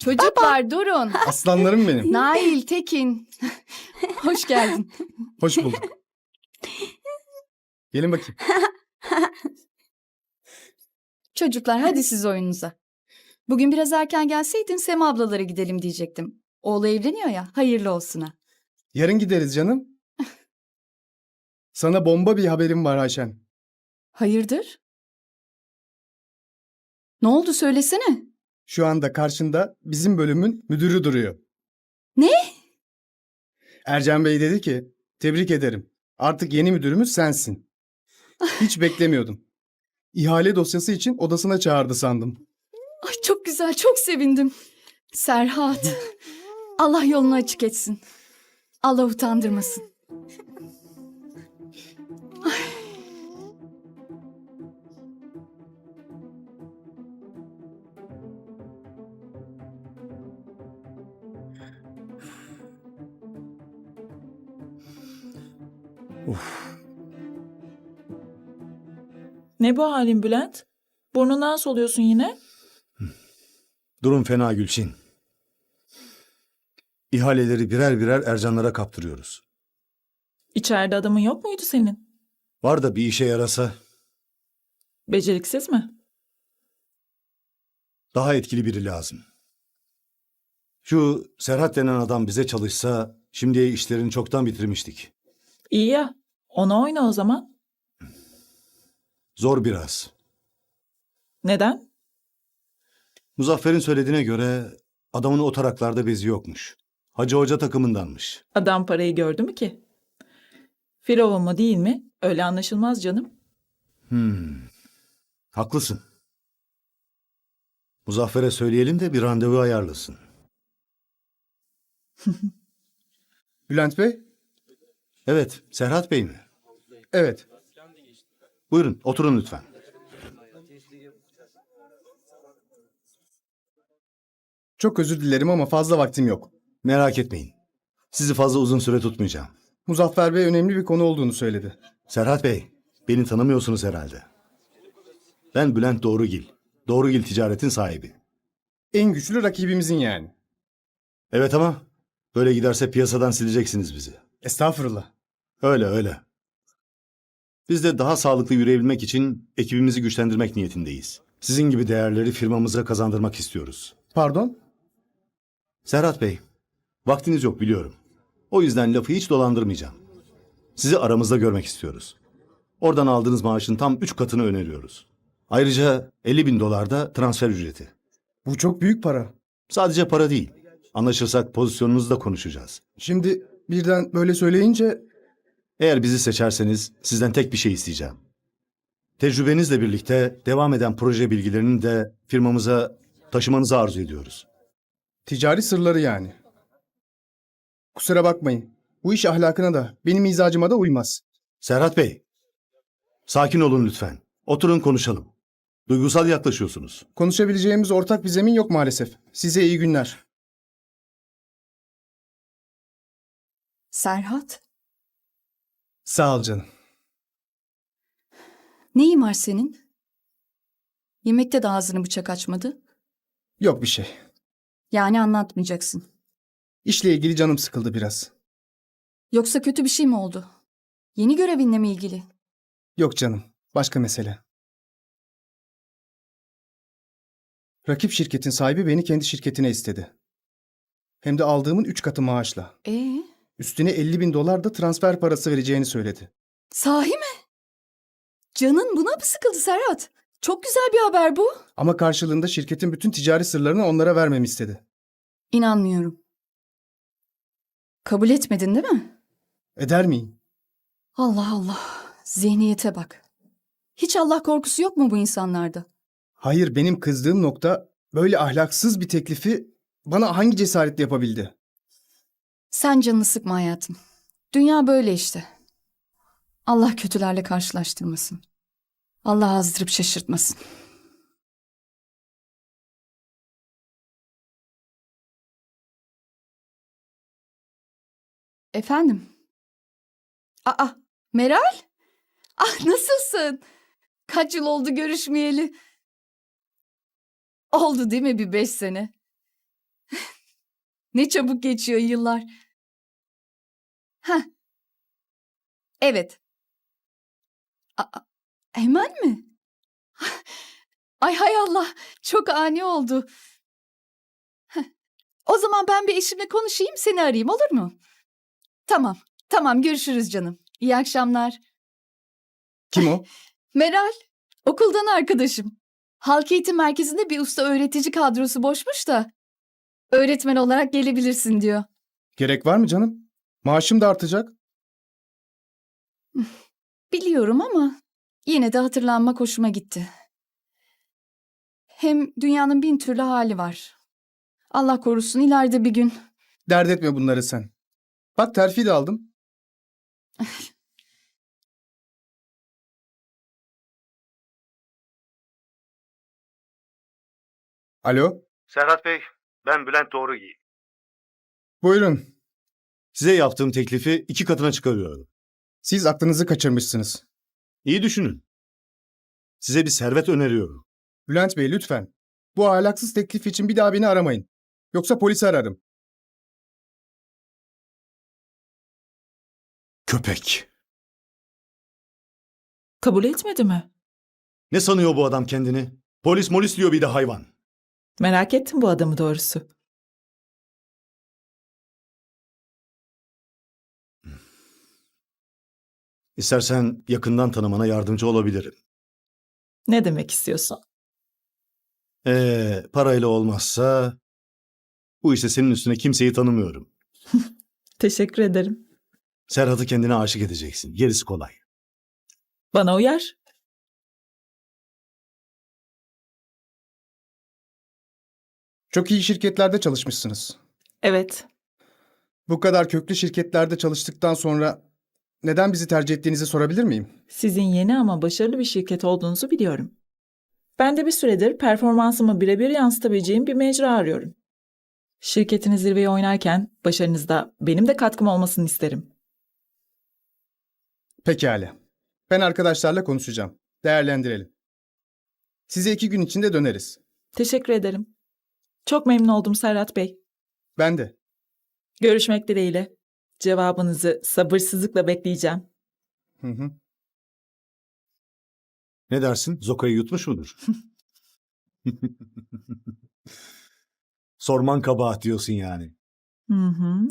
Çocuklar durun. Aslanlarım benim. Nail, Tekin. Hoş geldin. Hoş bulduk. Gelin bakayım. Çocuklar hadi siz oyununuza. Bugün biraz erken gelseydin Sema ablalara gidelim diyecektim. Oğlu evleniyor ya, hayırlı olsun ha. Yarın gideriz canım. Sana bomba bir haberim var Ayşen. Hayırdır? Ne oldu söylesene. Şu anda karşında bizim bölümün müdürü duruyor. Ne? Ercan Bey dedi ki, tebrik ederim. Artık yeni müdürümüz sensin. Hiç beklemiyordum. İhale dosyası için odasına çağırdı sandım. Ay çok güzel, çok sevindim. Serhat. Allah yolunu açık etsin. Allah utandırmasın. Ne bu halin Bülent? Burnundan soluyorsun yine. Durum fena Gülçin. İhaleleri birer birer Ercanlara kaptırıyoruz. İçeride adamın yok muydu senin? Var da bir işe yarasa Beceriksiz mi? daha etkili biri lazım. Şu Serhat denen adam bize çalışsa şimdiye işlerini çoktan bitirmiştik. İyi ya. Ona oyna o zaman. Zor biraz. Neden? Muzaffer'in söylediğine göre adamın o taraklarda bezi yokmuş. Hacı Hoca takımındanmış. Adam parayı gördü mü ki? Firavun mu değil mi? Öyle anlaşılmaz canım. Haklısın. Muzaffer'e söyleyelim de bir randevu ayarlasın. Bülent Bey? Evet, Serhat Bey mi? Evet. Buyurun, oturun lütfen. Çok özür dilerim ama fazla vaktim yok. Merak etmeyin. Sizi fazla uzun süre tutmayacağım. Muzaffer Bey önemli bir konu olduğunu söyledi. Serhat Bey, beni tanımıyorsunuz herhalde. Ben Bülent Doğrugil. Doğrugil Ticaret'in sahibi. En güçlü rakibimizin yani. Evet ama böyle giderse piyasadan sileceksiniz bizi. Estağfurullah. Öyle öyle. Biz de daha sağlıklı yürüyebilmek için ekibimizi güçlendirmek niyetindeyiz. Sizin gibi değerleri firmamıza kazandırmak istiyoruz. Pardon? Serhat Bey, vaktiniz yok biliyorum. O yüzden lafı hiç dolandırmayacağım. Sizi aramızda görmek istiyoruz. Oradan aldığınız maaşın tam 3 katını öneriyoruz. Ayrıca 50.000 dolar da transfer ücreti. Bu çok büyük para. Sadece para değil. Anlaşırsak pozisyonunuzu da konuşacağız. Şimdi birden böyle söyleyince Eğer bizi seçerseniz sizden tek bir şey isteyeceğim. Tecrübenizle birlikte devam eden proje bilgilerini de firmamıza taşımanızı arzu ediyoruz. ticari sırları yani. Kusura bakmayın. Bu iş ahlakına da benim mizacıma da uymaz. Serhat Bey, sakin olun lütfen. Oturun konuşalım. Duygusal yaklaşıyorsunuz. Konuşabileceğimiz ortak bir zemin yok maalesef. Size iyi günler. Serhat, Sağ ol canım. neyin var senin? Yemekte de ağzını bıçak açmadı. Yok bir şey. Yani anlatmayacaksın. İşle ilgili canım sıkıldı biraz. Yoksa kötü bir şey mi oldu? Yeni görevinle mi ilgili? Yok canım. Başka mesele. Rakip şirketin sahibi beni kendi şirketine istedi. Hem de aldığımın 3 katı maaşla. Üstüne 50.000 dolar da transfer parası vereceğini söyledi. Sahi mi? Canın buna mı sıkıldı Serhat? Çok güzel bir haber bu. Ama karşılığında şirketin bütün ticari sırlarını onlara vermemi istedi. İnanmıyorum. Kabul etmedin değil mi? Eder miyim? Allah Allah. Zihniyete bak. Hiç Allah korkusu yok mu bu insanlarda? Hayır, benim kızdığım nokta böyle ahlaksız bir teklifi bana hangi cesaretle yapabildi? Sen canını sıkma hayatım. Dünya böyle işte. Allah kötülerle karşılaştırmasın. Allah azdırıp şaşırtmasın. Efendim? Aa, Meral? Ah, nasılsın? Kaç yıl oldu görüşmeyeli? Oldu değil mi bir 5 sene? Ne çabuk geçiyor yıllar. Heh. Evet. Hemen mi? Ay hay Allah. Çok ani oldu. Heh. O zaman ben bir eşimle konuşayım, seni arayayım, olur mu? Tamam. Tamam, görüşürüz canım. İyi akşamlar. Kim o? Meral, okuldan arkadaşım. Halk eğitim merkezinde bir usta öğretici kadrosu boşmuş da öğretmen olarak gelebilirsin diyor. Gerek var mı canım? Maaşım da artacak. Biliyorum ama yine de hatırlanmak hoşuma gitti. Hem dünyanın bin türlü hali var. Allah korusun ileride bir gün. Dert etme bunları sen. Bak terfi de aldım. Alo, Serhat Bey, ben Bülent Doğrugiy. buyurun. Size yaptığım teklifi 2 katına çıkarıyorum. Siz aklınızı kaçırmışsınız. İyi düşünün. Size bir servet öneriyorum. Bülent Bey lütfen. Bu ahlaksız teklif için bir daha beni aramayın. Yoksa polisi ararım. Köpek. Kabul etmedi mi? Ne sanıyor bu adam kendini? Polis molis diyor bir de hayvan. Merak ettim bu adamı doğrusu. İstersen yakından tanımana yardımcı olabilirim. Ne demek istiyorsun? Parayla olmazsa bu işte senin üstüne kimseyi tanımıyorum. Teşekkür ederim. Serhat'ı kendine aşık edeceksin. Gerisi kolay. Bana uyar. Çok iyi şirketlerde çalışmışsınız. Evet. Bu kadar köklü şirketlerde çalıştıktan sonra neden bizi tercih ettiğinizi sorabilir miyim? Sizin yeni ama başarılı bir şirket olduğunuzu biliyorum. Ben de bir süredir performansımı birebir yansıtabileceğim bir mecra arıyorum. Şirketiniz zirveye oynarken başarınızda benim de katkım olmasını isterim. Pekala. Ben arkadaşlarla konuşacağım. Değerlendirelim. Size 2 gün içinde döneriz. Teşekkür ederim. Çok memnun oldum Serhat Bey. Ben de. Görüşmek dileğiyle. Cevabınızı sabırsızlıkla bekleyeceğim. Hı hı. Ne dersin? Zoka'yı yutmuş mudur? Sorman kabahat diyorsun yani. Hı hı.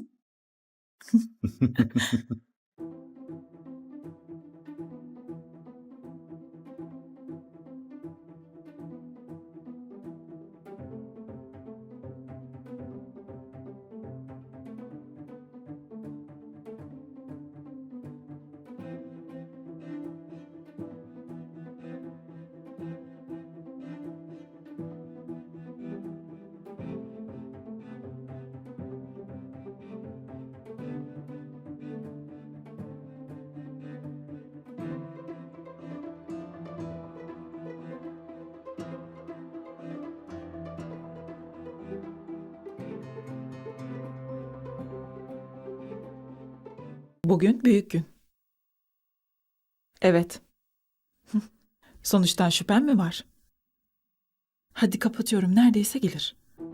Bugün büyük gün. Evet. Sonuçtan şüphem mi var? Hadi kapatıyorum. Neredeyse gelir.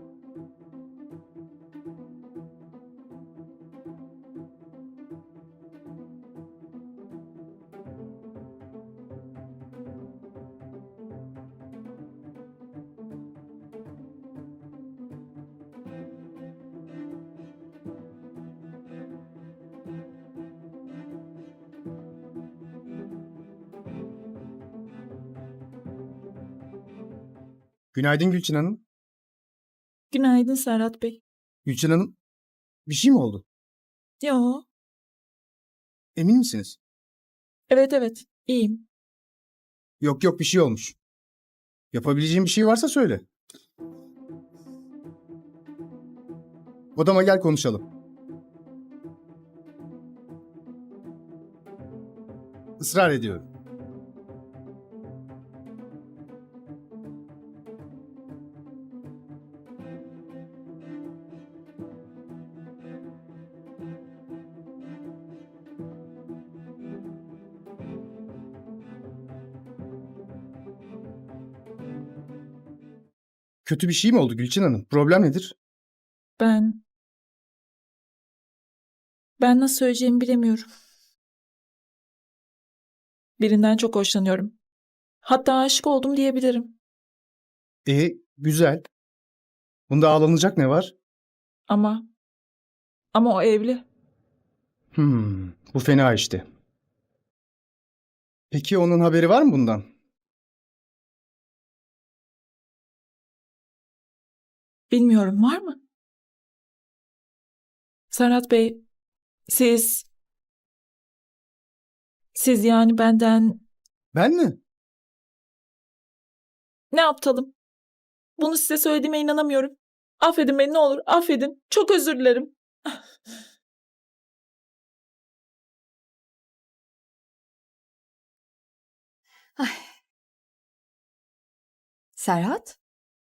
Günaydın Gülçin Hanım. Günaydın Serhat Bey. Gülçin Hanım, bir şey mi oldu? Yo. Emin misiniz? Evet. İyiyim. Yok yok bir şey olmuş. Yapabileceğim bir şey varsa söyle. Odama gel konuşalım. Israr ediyorum. Kötü bir şey mi oldu Gülçin Hanım? Problem nedir? Ben nasıl söyleyeceğimi bilemiyorum. Birinden çok hoşlanıyorum. Hatta aşık oldum diyebilirim. Güzel. Bunda ağlanacak ne var? Ama o evli. Bu fena işte. Peki onun haberi var mı bundan? Bilmiyorum, var mı? Serhat Bey, siz yani benden Ben mi? ne yaptalım? Bunu size söylediğime inanamıyorum. Affedin beni, ne olur, affedin. Çok özür dilerim. Serhat?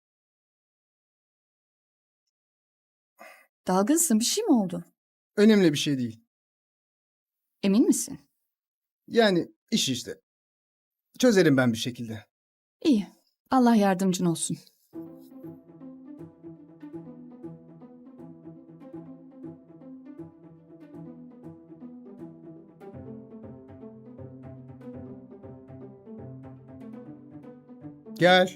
Dalgınsın, bir şey mi oldu? Önemli bir şey değil. Emin misin? Yani iş işte. Çözerim ben bir şekilde. İyi. Allah yardımcın olsun. Gel.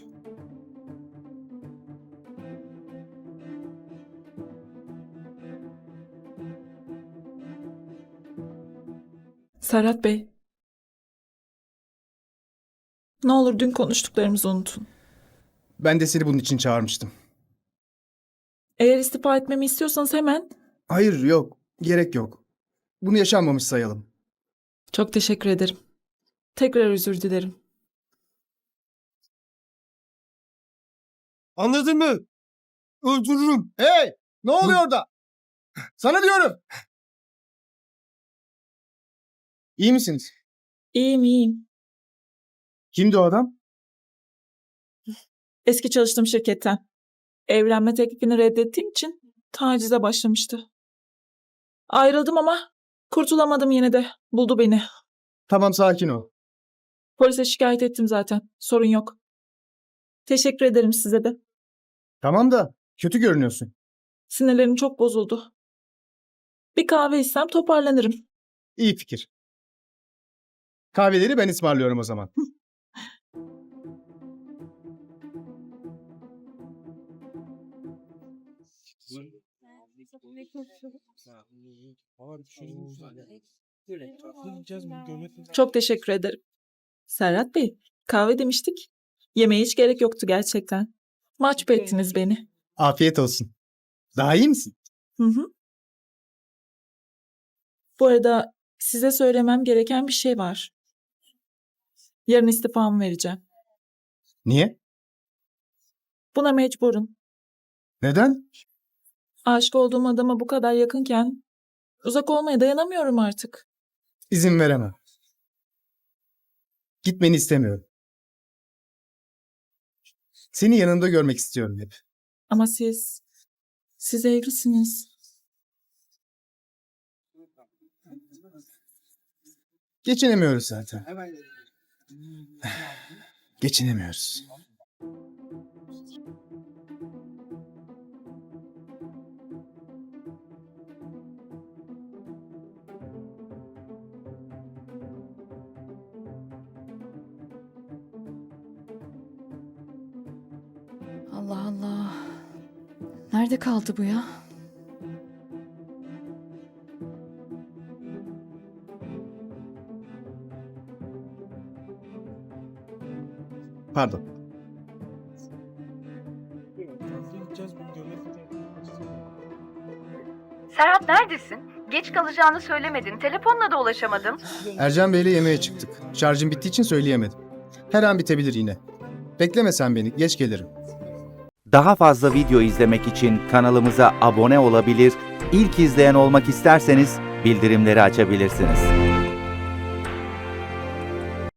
Serhat Bey, ne olur dün konuştuklarımızı unutun. Ben de seni bunun için çağırmıştım. Eğer istifa etmemi istiyorsanız hemen. Hayır, yok. Gerek yok. Bunu yaşanmamış sayalım. Çok teşekkür ederim. Tekrar özür dilerim. Anladın mı? Öldürürüm. Hey! Ne oluyor orada? Sana diyorum. İyi misiniz? İyiyim, iyiyim. Kimdi o adam? Eski çalıştığım şirketten. Evlenme teklifini reddettiğim için tacize başlamıştı. Ayrıldım ama kurtulamadım yine de. Buldu beni. Tamam, sakin ol. Polise şikayet ettim zaten. Sorun yok. Teşekkür ederim size de. Tamam da kötü görünüyorsun. Sinirlerim çok bozuldu. Bir kahve içsem toparlanırım. İyi fikir. Kahveleri ben ısmarlıyorum o zaman. Çok teşekkür ederim. Serhat Bey, kahve demiştik. Yemeğe hiç gerek yoktu gerçekten. Mahcup ettiniz beni. Afiyet olsun. Daha iyi misin? Hı hı. Bu arada size söylemem gereken bir şey var. Yarın istifamı vereceğim. Niye? Buna mecburum. Neden? Aşık olduğum adama bu kadar yakınken uzak olmaya dayanamıyorum artık. İzin veremem. Gitmeni istemiyorum. Seni yanımda görmek istiyorum hep. Ama siz evlisiniz. Geçinemiyoruz zaten. Geçinemiyoruz. Allah Allah. Nerede kaldı bu ya? Pardon. Serhat neredesin? Geç kalacağını söylemedin. Telefonla da ulaşamadım. Ercan Bey'le yemeğe çıktık. Şarjım bittiği için söyleyemedim. Her an bitebilir yine. Bekleme sen beni. Geç gelirim. Daha fazla video izlemek için kanalımıza abone olabilir, ilk izleyen olmak isterseniz bildirimleri açabilirsiniz.